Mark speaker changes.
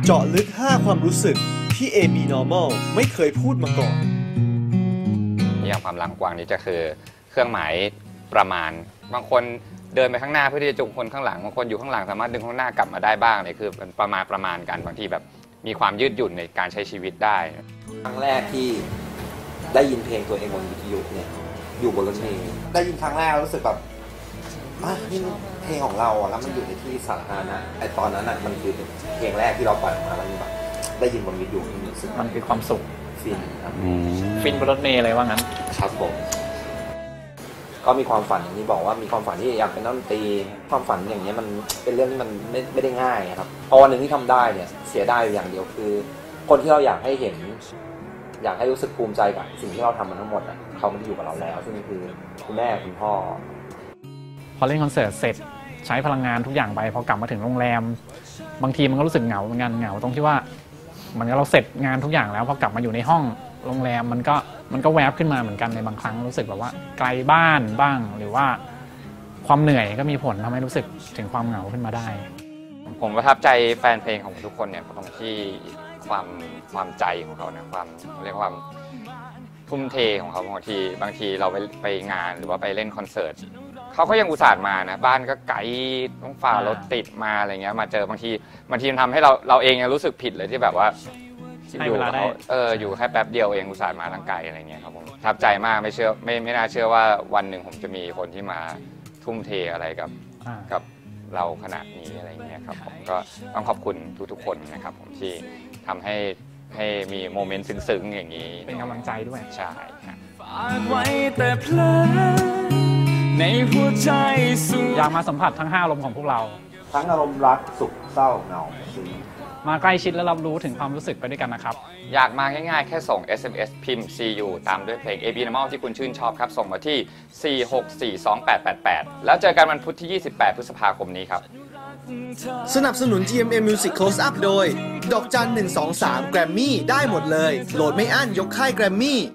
Speaker 1: จาะลึก 5 ความรู้สึกที่ AB Normal ไม่เคยพูดมาก่อน
Speaker 2: นิยามความลังกวางนี้จะคือเครื่องหมายประมาณบางคนเดินไปข้างหน้าเพื่อที่จะจูงคนข้างหลังบางคนอยู่ข้างหลังสามารถดึงข้างหน้ากลับมาได้บ้างเนี่ยคือเป็นประมาณกันบางทีแบบมีความยืดหยุ่นในการใช้ชีวิตได้
Speaker 3: ครั้งแรกที่ได้ยินเพลงตัวเองบนวิทยุเนี่ยอยู่บนรถเมล์ได้ยินครั้งแรกรู้สึกแบบนี่เพลงของเราแล้วมันอยู่ในที่สาธารณะไอตอนนั้นมันคือเพลงแรกที่เราปล่อยออกมาแล้วมันแบบได้ยินบนวิทยุ
Speaker 4: มันคือความสุข
Speaker 3: ฟินครับ
Speaker 4: ฟินบนรถเมล์เลยว่างั้น
Speaker 3: ครับผมก็มีความฝันอย่างที่บอกว่ามีความฝันที่อยากเป็นนักดนตรีความฝันอย่างนี้มันเป็นเรื่องที่มันไม่ได้ง่ายครับพอวันหนึ่งที่ทำได้เนี่ยเสียได้อย่างเดียวคือคนที่เราอยากให้เห็นอยากให้รู้สึกภูมิใจกับสิ่งที่เราทำมาทั้งหมดเขาไม่ได้อยู่กับเราแล้วซึ่งคือคุณแม่คุณพ่อ
Speaker 4: พอเล่นคอนเสิร์ตเสร็จใช้พลังงานทุกอย่างไปพอกลับมาถึงโรงแรมบางทีมันก็รู้สึกเหงาเหมือนกันเหงาตรงที่ว่ามันก็เราเสร็จงานทุกอย่างแล้วพอกลับมาอยู่ในห้องโรงแรมมันก็แวบขึ้นมาเหมือนกันในบางครั้งรู้สึกแบบว่าไกลบ้านบ้างหรือว่าความเหนื่อยก็มีผลทำให้รู้สึกถึงความเหงาขึ้นมาได้
Speaker 2: ผมประทับใจแฟนเพลงของทุกคนเนี่ยตรงที่ความใจของเขานะความเรียกว่าทุ่มเทของเขาบางทีเราไปงานหรือว่าไปเล่นคอนเสิร์ตเขาก็ยังอุตส่าห์มานะบ้านก็ไกลต้องฝ่ารถติดมาอะไรเงี้ยมาเจอบางทีมันทำให้เราเองยังรู้สึกผิดเลยที่แบบว่าอยู่อยู่แค่แป๊บเดียวเองอุตส่าห์มาทั้งไกลอะไรเงี้ยครับผมประทับใจมากไม่น่าเชื่อว่าวันหนึ่งผมจะมีคนที่มาทุ่มเทอะไรกับเราขนาดนี้อะไรเงี้ยครับผมก็ต้องขอบคุณทุกๆคนนะครับผมที่ทำให้มีโมเมนต์ซึ้งๆอย่างนี้
Speaker 4: เป็นกำลังใจด้วย
Speaker 2: ใช่ครับ
Speaker 4: อยากมาสัมผัสทั้ง5อารมณ์ของพวกเรา
Speaker 3: ทั้งอารมณ์รักสุขเศร้าเหงา
Speaker 4: มาใกล้ชิดและรับรู้ถึงความรู้สึกไปด้วยกันนะครับ
Speaker 2: อยากมาง่ายๆแค่ส่ง SMS พิมพ์ CU ตามด้วยเพลง AB Normal ที่คุณชื่นชอบครับส่งมาที่ 4642888 แล้วเจอกันวันพุธที่ 28 พฤษภาคมนี้ครับ
Speaker 1: สนับสนุน GMM Music Close Up โดยดอกจัน123 Grammy ได้หมดเลยโหลดไม่อั้นยกค่าย Grammy